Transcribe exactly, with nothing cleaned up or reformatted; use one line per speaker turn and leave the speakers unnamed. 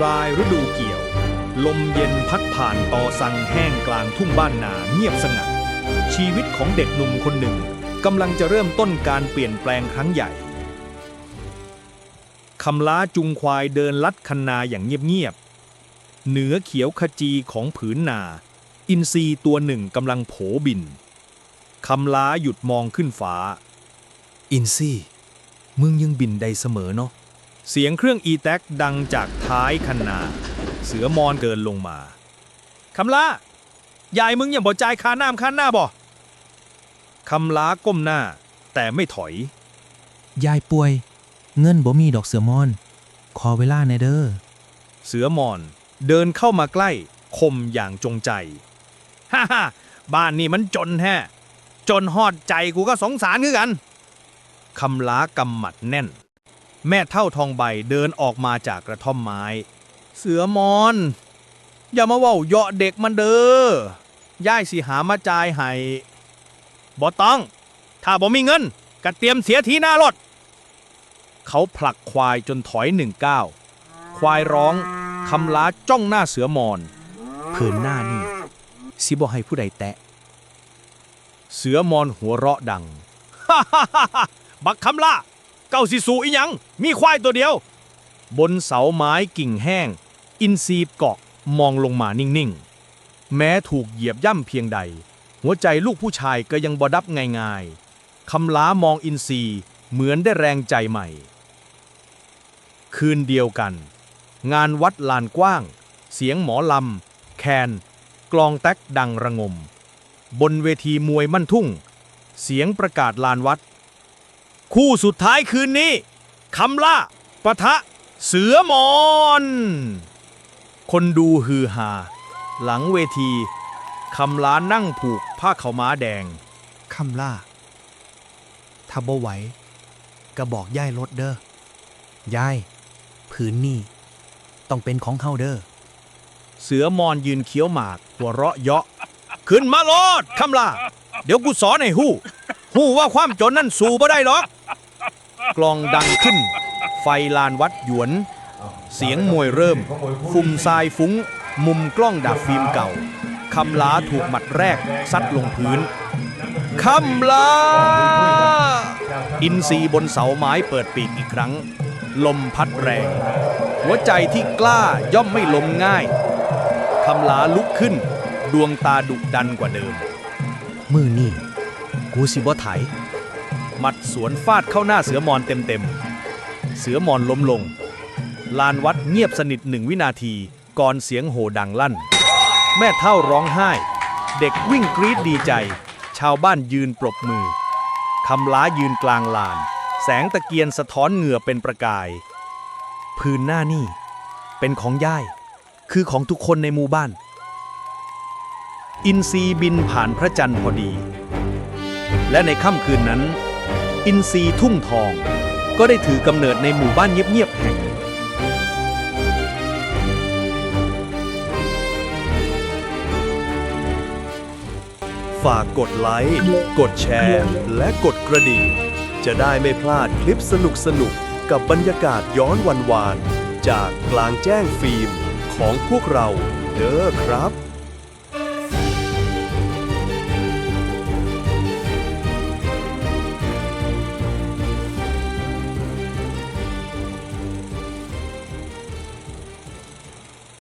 รายฤดูเกี่ยว ลมเย็นพัดผ่านตอสังแห้งกลางทุ่งบ้านนาเงียบสงัดชีวิตของเด็กหนุ่มคนหนึ่งกำลังจะเริ่มต้นการเปลี่ยนแปลงครั้งใหญ่คำล้าจุงควายเดินลัดคันนาอย่างเงียบๆเหนือเขียวขจีของผืนนา อินทรีตัวหนึ่งกำลังโผบินคำล้าหยุดมองขึ้นฟ้าอินซี่มึงยังบินได้เสมอเนาะเสียงเครื่องอีแท็กดังจากท้ายคันนาเสือมอนเดินลงมาคำล้ายายมึงยังบ่จ่ายค่าน้ำค่าหน้าบ่คำล้าก้มหน้าแต่ไม่ถอย
ยายป่วยเงินบ่มีดอกเสือมอนขอเวลาหน่อยเด้อ
เสือมอนเดินเข้ามาใกล้คมอย่างจงใจฮ่าฮ่าบ้านนี่มันจนแท้จนฮอดใจกูก็สงสารคือกันคำล้ากำหมัดแน่นแม่เท่าทองใบเดินออกมาจากกระท่อมไม้เสือมอนอย่ามาเว้าเหยาะเด็กมันเด้อย่ายสิหามาจ่ายให้บ่ต้องถ้าบ่มีเงินก็เตรียมเสียทีหน้ารถเขาผลักควายจนถอยหนึ่งก้าวควายร้องคำล้าจ้องหน้าเสือมอนผืนหน้านี่สิบ่ให้ผู้ใดแตะเสือมอนหัวเราะดังฮ่าฮ่าฮ่าบักคำล้าเก้าสิสูอีหยังมีควายตัวเดียวบนเสาไม้กิ่งแห้งอินทรีเกาะมองลงมานิ่งๆแม้ถูกเหยียบย่ำเพียงใดหัวใจลูกผู้ชายก็ยังบ่ดับง่ายๆคำล้ามองอินทรีเหมือนได้แรงใจใหม่คืนเดียวกันงานวัดลานกว้างเสียงหมอลำแคนกลองแต๊กดังระงมบนเวทีมวยมั่นทุ่งเสียงประกาศลานวัดคู่สุดท้ายคืนนี้คำล่าปะทะเสือมอนคนดูฮือฮาหลังเวทีคำล้านั่งผูกผ้าขาวม้าแดง
คำล่าถ้าบ่ไหวก็บอกย่ายรถเด้อย่ายผืนนี่ต้องเป็นของเฮาเด้อ
เสือมอนยืนเคี้ยวหมากหัวเราะเยาะขึ้นมาโลดคำล่าเดี๋ยวกูสอนให้ฮู้ฮู้ว่าความจนนั่นสู้บ่ได้หรอกกลองดังขึ้นไฟลานวัดหยวนเสียงมวยเริ่มฟุ่มทรายฟุ้งมุมกล้องดับฟิล์มเก่าคำล้าถูกหมัดแรกซัดลงพื้นคำล้าอินทรีบนเสาไม้เปิดปีกอีกครั้งลมพัดแรงหัวใจที่กล้าย่อมไม่ล้มง่ายคำล้าลุกขึ้นดวงตาดุดันกว่าเดิม
มือนี่กูสิบ่ไถ
หมัดสวนฟาดเข้าหน้าเสือมอนเต็มๆเสือมอนล้มลงลานวัดเงียบสนิทหนึ่งวินาทีก่อนเสียงโห่ดังลั่นแม่เฒ่าร้องไห้เด็กวิ่งกรี๊ดดีใจชาวบ้านยืนปรบมือคำล้ายืนกลางลานแสงตะเกียงสะท้อนเหงื่อเป็นประกายพื้นหน้านี่เป็นของย่ายคือของทุกคนในหมู่บ้านอินทรีบินผ่านพระจันทร์พอดีและในค่ำคืนนั้นอินทรีทุ่งทองก็ได้ถือกำเนิดในหมู่บ้านเงียบๆแห่งฝากกดไลค์กดแชร์และกดกระดิ่งจะได้ไม่พลาดคลิปสนุกๆกับบรรยากาศย้อนวันวานจากกลางแจ้งฟิล์มของพวกเราเด้อครับ